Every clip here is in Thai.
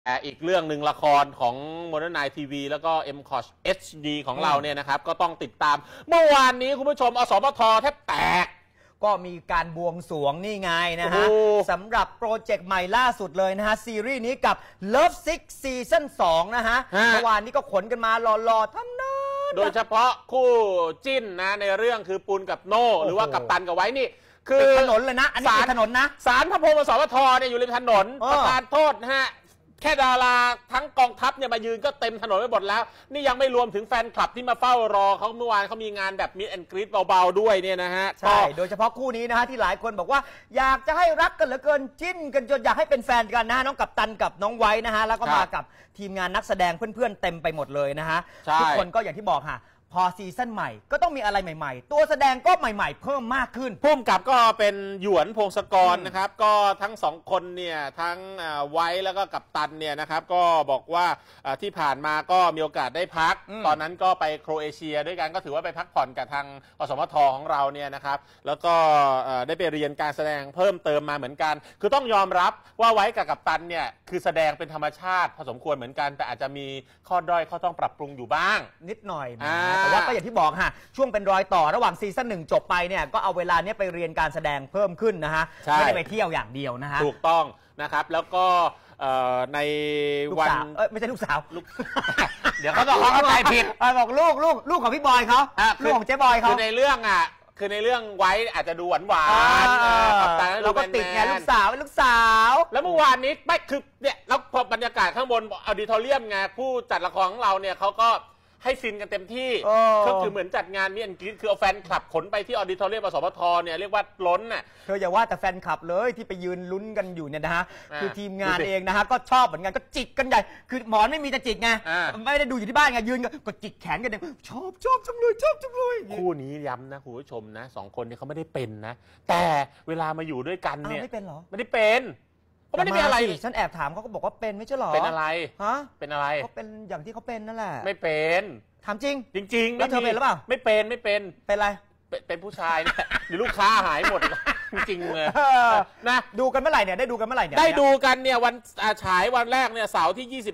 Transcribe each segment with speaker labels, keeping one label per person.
Speaker 1: อีกเรื่องหนึ่งละครของ Modern Night TV แล้วก็ MCOT HD ของเราเนี่ยนะครับก็ต้องติดตามเมื่อวานนี้คุณผู้ชมอสมทแทบแตก
Speaker 2: ก็มีการบวงสรวงนี่ไงนะฮะสำหรับโปรเจกต์ใหม่ล่าสุดเลยนะฮะซีรีส์นี้กับ Love Sick ซีซั่น2นะฮะเมื่อวานนี้ก็ขนกันมาหล่อๆทั้งนั้น
Speaker 1: โดยเฉพาะคู่จิ้นนะในเรื่องคือปุณกับโน่หรือว่ากัปตันกับไว้นี่คือ
Speaker 2: ถนนเลยนะอันนี้ถนนนะ
Speaker 1: ศาลพระพรหมอสมทเนี่ยอยู่ริมถนนประทานโทษนะฮะแค่ดาราทั้งกองทัพเนี่ยมายืนก็เต็มถนนไปหมดแล้วนี่ยังไม่รวมถึงแฟนคลับที่มาเฝ้ารอเขาเมื่อวานเขามีงานแบบมิดแอนด์กรีดเบาๆด้วยเนี่ยนะฮะ
Speaker 2: ใช่โดยเฉพาะคู่นี้นะฮะที่หลายคนบอกว่าอยากจะให้รักกันเหลือเกินจิ้นกันจนอยากให้เป็นแฟนกันนะน้องกัปตันกับน้องไว้นะฮะแล้วก็มากับทีมงานนักแสดงเพื่อนๆเต็มไปหมดเลยนะฮะทุกคนก็อย่างที่บอกค่ะพอซีซั่นใหม่ก็ต้องมีอะไรใหม่ๆตัวแสดงก็ใหม่ๆเพิ่มมากขึ้น
Speaker 1: พุ่มกับก็เป็นหยวนพงศกรนะครับก็ทั้งสองคนเนี่ยทั้งไว้แล้วก็กัปตันเนี่ยนะครับก็บอกว่าที่ผ่านมาก็มีโอกาสได้พักตอนนั้นก็ไปโครเอเชียด้วยกันก็ถือว่าไปพักผ่อนกับทางอสมทของเราเนี่ยนะครับแล้วก็ได้ไปเรียนการแสดงเพิ่มเติมมาเหมือนกันคือต้องยอมรับว่าไว้กับกัปตันเนี่ยคือแสดงเป็นธรรมชาติพอสมควรเหมือนกันแต่อาจจะมีข้อด้อยข้อต้องปรับปรุงอยู่บ้าง
Speaker 2: นิดหน่อยแต่ว่าก็อย่างที่บอกฮะช่วงเป็นรอยต่อระหว่างซีซั่น1จบไปเนี่ยก็เอาเวลานี้ไปเรียนการแสดงเพิ่มขึ้นนะฮะไม่ได้ไปเที่ยวอย่างเดียวนะฮะ
Speaker 1: ถูกต้องนะครับแล้วก็ในวัน
Speaker 2: ไม่ใช่ลูกสาว
Speaker 1: เดี๋ยวเขาต้องเข้าใจผิด
Speaker 2: บอกลูกของพี่บอยเขาลูกของเจ๊บอยเขา
Speaker 1: คือในเรื่องคือในเรื่องไว้อาจจะดูหวาน
Speaker 2: เราก็ติดไงลูกสาว
Speaker 1: แล้วเมื่อวานนี้ไม่คือเนี่ยแล้วพอบรรยากาศข้างบนออดิทอเรียมไงผู้จัดละครของเราเนี่ยเขาก็ให้ฟินกันเต็มที่ก็คือเหมือนจัดงานมิดแอนด์กรีดคือเอาแฟนคลับขนไปที่ออดิทอเรียมอสมทเนี่ยเรียกว่าล้นน่ะ
Speaker 2: เธออย่าว่าแต่แฟนคลับเลยที่ไปยืนลุ้นกันอยู่เนี่ยนะฮะคือทีมงานเองนะฮะก็ชอบเหมือนกันก็จิกกันใหญ่คือหมอนไม่มีจะจิกไงไม่ได้ดูอยู่ที่บ้านไงยืนก็จิกแขนกันเนี่ยชอบจังเลย
Speaker 1: คู่นี้ย้ำนะคุณผู้ชมนะสองคนนี้เขาไม่ได้เป็นนะแต่เวลามาอยู่ด้วยกันเนี่ย
Speaker 2: ไม่เป็นหรอ
Speaker 1: ไม่ได้เป็นเขาไม่ได้เป็นอะไร
Speaker 2: ฉันแอบถามเขาก็บอกว่าเป็นไม่ใช่หรอ
Speaker 1: เป็นอะไร
Speaker 2: ฮะ
Speaker 1: เป็นอะไร
Speaker 2: เขาเป็นอย่างที่เขาเป็นนั่นแหละ
Speaker 1: ไม่เป็น
Speaker 2: ถามจริง
Speaker 1: แล้ว
Speaker 2: เธอเป็นหรือเปล่า
Speaker 1: ไม่เป็น
Speaker 2: อะไร
Speaker 1: เป็นผู้ชายเนี่ยหรือลูกค้าหายหมดจริงเลย
Speaker 2: นะดูกันเมื่อไหร่เนี่ยได้ดูกันเมื่อไหร่เนี่ย
Speaker 1: ได้ดูกันเนี่ยวันฉายวันแรกเนี่ยเสาร์ที่25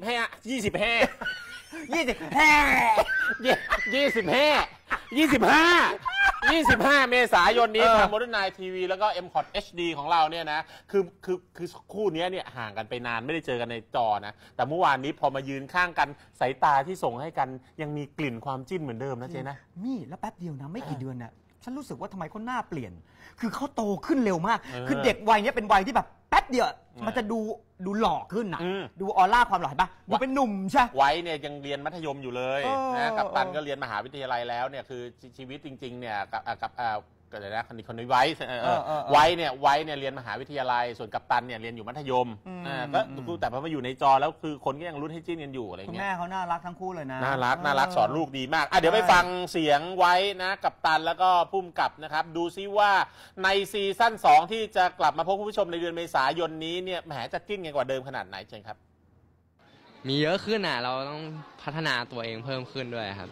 Speaker 1: เมษายนนี้ทาง Modern Night TV แล้วก็ MCOT HD ของเราเนี่ยนะคือคู่นี้เนี่ยห่างกันไปนานไม่ได้เจอกันในจอนะแต่เมื่อวานนี้พอมายืนข้างกันสายตาที่ส่งให้กันยังมีกลิ่นความจิ้นเหมือนเดิมนะเจ๊นะ
Speaker 2: นี่แล้วแป๊บเดียวนะไม่กี่เดือนน่ะฉันรู้สึกว่าทำไมเขาหน้าเปลี่ยนคือเขาโตขึ้นเร็วมากคือเด็กวัยนี้เป็นวัยที่แบบแป๊บเดียวมันจะดูหล่อขึ้นนะดูออร่าความหล่อเห็นปะดูเป็นหนุ่มใช่
Speaker 1: ไว้เนี่ยยังเรียนมัธยมอยู่เลยนะกัปตันก็เรียนมหาวิทยาลัยแล้วเนี่ยคือชีวิตจริงๆเนี่ยกับก็เลยนะคนนี้ไว้เนี่ยเรียนมหาวิทยาลัยส่วนกัปตันเนี่ยเรียนอยู่มัธยมก็แต่พอมาอยู่ในจอแล้วคือคนก็ยังรุ่นให้จิ้นกันอยู่อะไรเงี้ย
Speaker 2: คุณแม่เขาน่ารักทั้งคู่เลยนะ
Speaker 1: น่ารักสอนลูกดีมากเดี๋ยวไปฟังเสียงไว้นะกัปตันแล้วก็พุ่มกับนะครับดูซิว่าในซีซั่น2ที่จะกลับมาพบคุณผู้ชมในเดือนเมษายนนี้เนี่ยแหมจะจิ้นกันกว่าเดิมขนาดไหนเชิญครับ
Speaker 3: มีเยอะขึ้นเราต้องพัฒนาตัวเองเพิ่มขึ้นด้วยครับ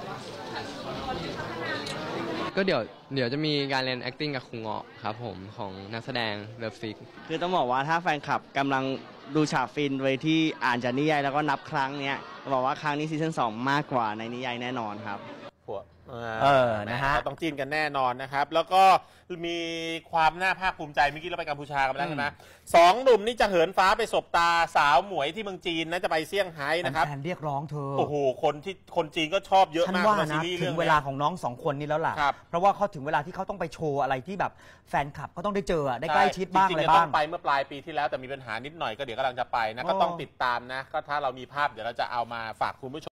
Speaker 3: ก็เดี๋ยวจะมีการเรียน acting กับครูเงาะครับผมของนักแสดงเลิฟซิก
Speaker 4: คือต้องบอกว่าถ้าแฟนคลับกำลังดูฉากฟินไว้ที่อ่านจากนิยายแล้วก็นับครั้งเนี้ยบอกว่าครั้งนี้ซีซั่น2มากกว่าในนิยายแน่นอนครับ
Speaker 1: นะฮะต้องจิ้นกันแน่นอนนะครับแล้วก็มีความน่าภาคภูมิใจเมื่อกี้เราไปกัมพูชากันแล้วใช่ไหมสองหนุ่มนี่จะเหินฟ้าไปสบตาสาวหมวยที่เมืองจีนนะจะไปเซี่ยงไฮ้นะครับ
Speaker 2: แฟนเรียกร้องเธอ
Speaker 1: โอ้โหคนจีนก็ชอบเยอะมาก
Speaker 2: นะถึงเวลาของน้องสองคนนี้แล้วล่ะเพราะว่าเขาถึงเวลาที่เขาต้องไปโชว์อะไรที่แบบแฟนคลับก็ต้องได้เจอได้ใกล้ชิดบ้างอะไรบ้าง
Speaker 1: ไปเมื่อปลายปีที่แล้วแต่มีปัญหานิดหน่อยก็เดี๋ยวกำลังจะไปนะก็ต้องติดตามนะก็ถ้าเรามีภาพเดี๋ยวเราจะเอามาฝากคุณผู้ชม